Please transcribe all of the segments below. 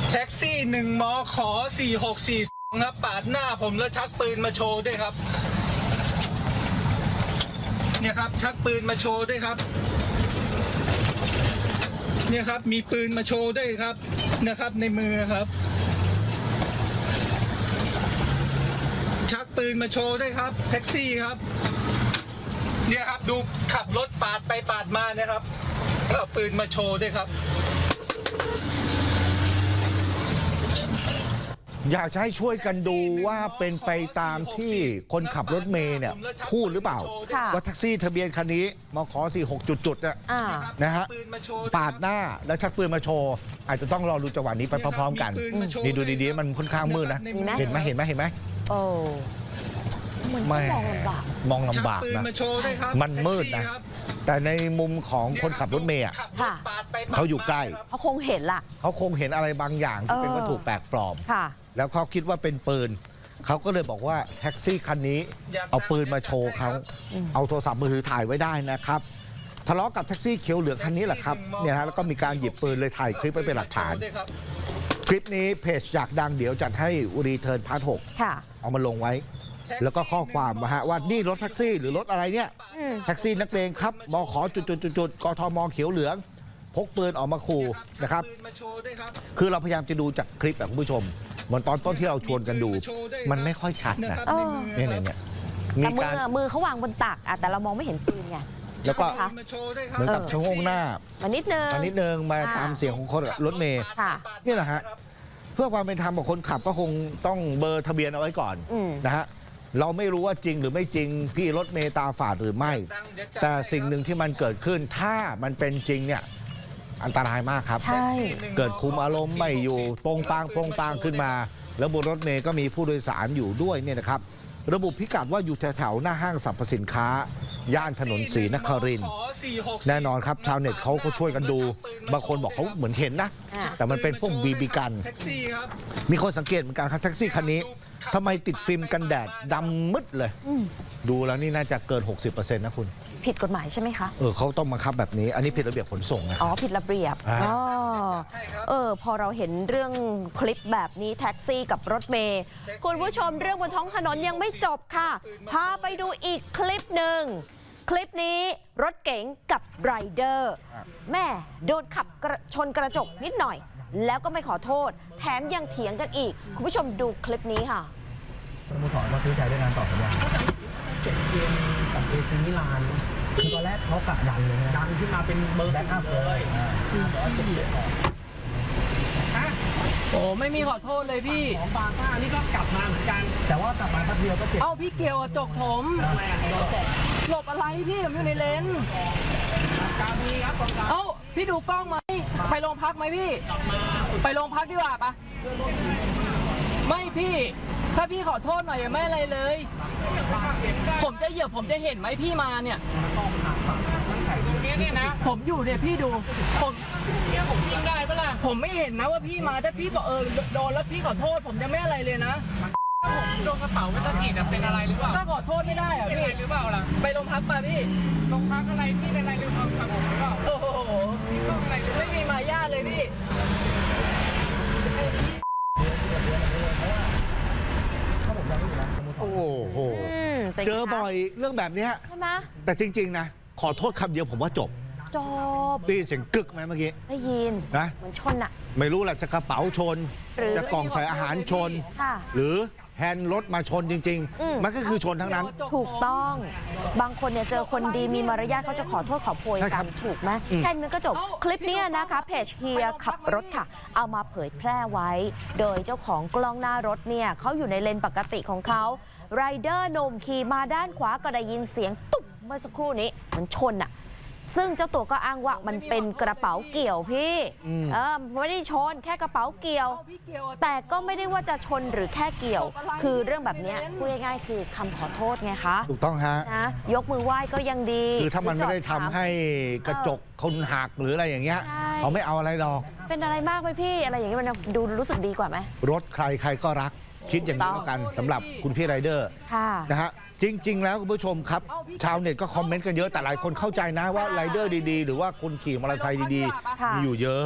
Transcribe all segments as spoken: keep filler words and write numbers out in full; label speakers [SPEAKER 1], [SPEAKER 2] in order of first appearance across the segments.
[SPEAKER 1] แท็กซี่หนึ่งมอขอสี่หกสี่ครับปาดหน้าผมแล้วชักปืนมาโชว์ด้วยครับเนี่ยครับชักปืนมาโชว์ด้วยครับเนี่ยครับมีปืนมาโชว์ด้วยครับนะครับในมือครับชักปืนมาโชว์ด้วยครับแท็กซี่ครับเนี่ยครับดูขับรถปาดไปปาดมาเนี่ยครับเอาปืนมาโชว์ด้วยครับ
[SPEAKER 2] อยากจะให้ช่วยกันดูว่าเป็นไปตามที่คนขับรถเมย์เนี่ยพูดหรือเปล่าว่าแท็กซี่ทะเบียนคันนี้มขสี่หกจุดๆเนี่ยนะฮะปาดหน้าแล้วชักปืนมาโชว์อาจจะต้องรอดูจังหวะนี้ไปพร้อมๆกันนี่ดูดีๆมันค่อนข้างมืดนะเห็นไหมเห็นไหมเห็นไหมโอ้ไม่มองลำบากนะมันมืดนะแต่ในมุมของคนขับรถเมย์เขาอยู่ใกล้
[SPEAKER 3] เขาคงเห็นล่ะ
[SPEAKER 2] เขาคงเห็นอะไรบางอย่างที่เป็นวัตถุแปลกปลอมแล้วเขาคิดว่าเป็นปืนเขาก็เลยบอกว่าแท็กซี่คันนี้เอาปืนมาโชว์เขาเอาโทรศัพท์มือถือถ่ายไว้ได้นะครับทะเลาะกับแท็กซี่เขียวเหลืองคันนี้แหละครับเนี่ยฮะแล้วก็มีการหยิบปืนเลยถ่ายคลิปไว้เป็นหลักฐานคลิปนี้เพจอยากดังเดี๋ยวจัดให้รีเทิร์นพาร์ทหกเอามาลงไว้แล้วก็ข้อความมาฮะว่านี่รถแท็กซี่หรือรถอะไรเนี่ยแท็กซี่นักเลงครับบขจุดๆๆกทมเขียวเหลืองพกปืนออกมาขู่นะครับคือเราพยายามจะดูจากคลิปแบบคุณผู้ชมเหมือนตอนต้นที่เราชวนกันดูมันไม่ค่อยชัดนะเนี่ยเนี่ย
[SPEAKER 3] มีการมือเขาวางบนตักแต่เรามองไม่เห็นปืนไง
[SPEAKER 2] แล้วก็เหมือนกับชะโงกหน้า
[SPEAKER 3] มานิดนึง
[SPEAKER 2] มานิดนึงมาตามเสียงของคนรถเมย์นี่แหละฮะเพื่อความเป็นธรรมของคนขับก็คงต้องเบอร์ทะเบียนเอาไว้ก่อนนะฮะเราไม่รู้ว่าจริงหรือไม่จริงพี่รถเมย์ตาฝาดหรือไม่แต่สิ่งหนึ่งที่มันเกิดขึ้นถ้ามันเป็นจริงเนี่ยอันตรายมากครับเกิดคุมอารมณ์ไม่อยู่โปงปางโปงปางขึ้นมาแล้วบนรถเมย์ก็มีผู้โดยสารอยู่ด้วยเนี่ยนะครับระบุพิกัดว่าอยู่แถวๆหน้าห้างสรรพสินค้าย่านถนนศรีนครินทร์แน่นอนครับชาวเน็ตเขาก็ช่วยกันดูบางคนบอกเขาเหมือนเห็นนะแต่มันเป็นพวกบีบีกันมีคนสังเกตเหมือนกันครับแท็กซี่คันนี้ทำไมติดฟิล์มกันแดดดำมืดเลยดูแล้วนี่น่าจะเกิน หกสิบเปอร์เซ็นต์ นะคุณ
[SPEAKER 3] ผิดกฎหมายใช่ไหมคะ
[SPEAKER 2] เออเขาต้องบังคับแบบนี้อันนี้ผิดระเบียบขนส่งนะ
[SPEAKER 3] อ๋อผิดระเบียบอ๋อเออพอเราเห็นเรื่องคลิปแบบนี้แท็กซี่กับรถเมย์คุณผู้ชมเรื่องบนท้องถนนยังไม่จบค่ะพาไปดูอีกคลิปหนึ่งคลิปนี้รถเก๋งกับไรเดอร์แม่โดนขับชนกระจกนิดหน่อยแล้วก็ไม่ขอโทษแถมยังเถียงกันอีกคุณผู้ชมดูคลิปนี้ค่ะ
[SPEAKER 4] สโมสรมาซื้อใจด้วยงานต่อสัญญาเจ็ดเกมกับเอซิมิลานคือตอนแรกเขากะดันเลยดันขึ้นมาเป็นเบอร์แบ็คอัพเลย
[SPEAKER 5] โอ้ไม่มีขอโทษเลยพี่
[SPEAKER 4] ของบาซ่านี่ก็กลับมาเหมือนกันแต่ว่ากลับมาแป๊บเดียวก็เจ็บ
[SPEAKER 5] เอ้าพี่เกี่ยวจกผมหลบอะไรพี่ผมอยู่ในเลนเอ้าพี่ดูกล้องไหมไปโรงพักไหมพี่ไปโรงพักดีกว่าปะไม่พี่ถ้าพี่ขอโทษหน่อยไม่อะไรเลยผมจะเหยียบผมจะเห็นไหมพี่มาเนี่ยนี่นะผมอยู่เนี่ยพี่ดูผมเนี่ยผมยิงได้ปะล่ะผมไม่เห็นนะว่าพี่มาถ้าพี่บอกเออโดนแล้วพี่ขอโทษผมจะไม่อะไรเลยนะผมโดนกระเป๋าไม่ตะกี้เป็นอะไรหรือเปล่าถ้าขอโทษไม่ได้อะพี่หรือเปล่าล่ะไปโรงพักป่ะพี่โรงพักอะไรพี่เป็นอะไรหรือเปล่ากับผมหรือเปล่าโอ้โหไม่มีมารยาทเลยพี่
[SPEAKER 2] โอ้โหเจอบ่อยเรื่องแบบนี้
[SPEAKER 3] ใช่ไหม
[SPEAKER 2] แต่จริงๆนะขอโทษคำเดียวผมว่าจบ
[SPEAKER 3] จบ
[SPEAKER 2] ได้ยินเสียงกึกไหมเมื่อกี้
[SPEAKER 3] ได้ยิน
[SPEAKER 2] นะ
[SPEAKER 3] เหมือนชนอะ
[SPEAKER 2] ไม่รู้แหละจะกระเป๋าชนจะกล่องใส่อาหารชนหรือแฮนด์รถมาชนจริงๆมันก็คือชนทั้งนั้น
[SPEAKER 3] ถูกต้องบางคนเนี่ยเจอคนดีมีมารยาทเขาจะขอโทษขอโพยกันถูกไหมแค่นี้ก็จบคลิปนี้นะคะเพจเฮียขับรถค่ะเอามาเผยแพร่ไว้โดยเจ้าของกล้องหน้ารถเนี่ยเขาอยู่ในเลนปกติของเขาไรเดอร์หนุ่มขี่มาด้านขวาก็ได้ยินเสียงตุ๊บเมื่อสักครู่นี้มันชนอะซึ่งเจ้าตัวก็อ้างว่ามันเป็นกระเป๋าเกี่ยวพี่เออไม่ได้ชนแค่กระเป๋าเกี่ยวแต่ก็ไม่ได้ว่าจะชนหรือแค่เกี่ยวคือเรื่องแบบนี้พูดง่ายๆคือคำขอโทษไงคะ
[SPEAKER 2] ถูกต้องฮะ
[SPEAKER 3] นะยกมือไหว้ก็ยังดี
[SPEAKER 2] คือถ้ามันไม่ได้ทำให้กระจกคนหักหรืออะไรอย่างเงี้ยเขาไม่เอาอะไรหรอก
[SPEAKER 3] เป็นอะไรมากไหมพี่อะไรอย่างเงี้ยมันดูรู้สึกดีกว่าไหม
[SPEAKER 2] รถใครใครก็รักคิดอย่างนี้แล้วกันสำหรับคุณพี่ไรเดอร์นะฮะจริงๆแล้วคุณผู้ชมครับชาวเน็ตก็คอมเมนต์กันเยอะแต่หลายคนเข้าใจนะว่าไรเดอร์ดีๆหรือว่าคนขี่มอเตอร์ไซค์ดีๆมีอยู่เยอะ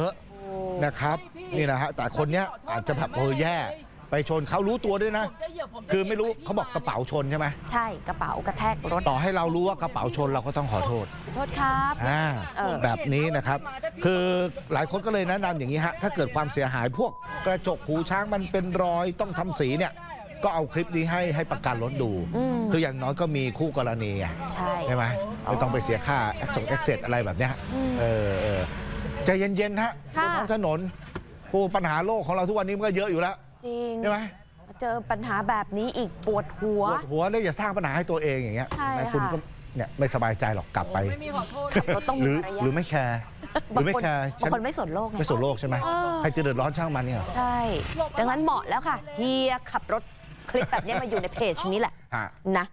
[SPEAKER 2] นะครับนี่นะฮะแต่คนเนี้ยอาจจะแบบเออแย่ไปชนเขารู้ตัวด้วยนะ คือไม่รู้เขาบอกกระเป๋าชนใช่ไหม
[SPEAKER 3] ใช่กระเป๋ากระแทกรถ
[SPEAKER 2] ต่อให้เรารู้ว่ากระเป๋าชนเราก็ต้องขอโทษ
[SPEAKER 3] ขอโทษครับ
[SPEAKER 2] อ่า
[SPEAKER 3] เออ
[SPEAKER 2] แบบนี้นะครับ คือหลายคนก็เลยแนะนำอย่างนี้ฮะถ้าเกิดความเสียหายพวกกระจกหูช้างมันเป็นรอยต้องทำสีเนี่ยก็เอาคลิปนี้ให้ให้ประกันรถดู
[SPEAKER 3] อืม
[SPEAKER 2] คืออย่างน้อยก็มีคู่กรณีไง
[SPEAKER 3] ใช่
[SPEAKER 2] ใช่ไหมไม่ต้องไปเสียค่าแอคชั่นแอคเซสอะไรแบบเนี้ย
[SPEAKER 3] อืม
[SPEAKER 2] เออเออใจเย็นๆฮะบ
[SPEAKER 3] ค่ะ
[SPEAKER 2] นท้องถนนผู้ปัญหาโลกของเราทุกวันนี้มันก็เยอะอยู่แล้ว
[SPEAKER 3] จริง
[SPEAKER 2] ใช่ไหม
[SPEAKER 3] เจอปัญหาแบบนี้อีกปวดหัว
[SPEAKER 2] ปวดหัวเลยอย่าสร้างปัญหาให้ตัวเองอย่างเงี้ย
[SPEAKER 3] ใช่
[SPEAKER 2] ไหม
[SPEAKER 3] ค่ะ
[SPEAKER 2] คุณก็เนี่ยไม่สบายใจหรอกกลับไป
[SPEAKER 5] ไม่มีขอโทษ
[SPEAKER 3] ขับรถต้อง
[SPEAKER 2] ห
[SPEAKER 3] มี
[SPEAKER 2] รือ
[SPEAKER 3] มารยา
[SPEAKER 2] หรือ
[SPEAKER 3] ท
[SPEAKER 2] ไม่แคร์หรือไม่แคร์
[SPEAKER 3] บางคนไม่สนโลกไง
[SPEAKER 2] ไม่สนโลกใช่ไหม
[SPEAKER 3] เออ
[SPEAKER 2] ใครจะเดือดร้อนช่างมันเนี่ย
[SPEAKER 3] ใช่ ดังนั้นเหมาะแล้วค่ะเฮียขับรถคลิปแบบนี้มาอยู่ในเพจนี้แหละ
[SPEAKER 2] ฮะ
[SPEAKER 3] นะ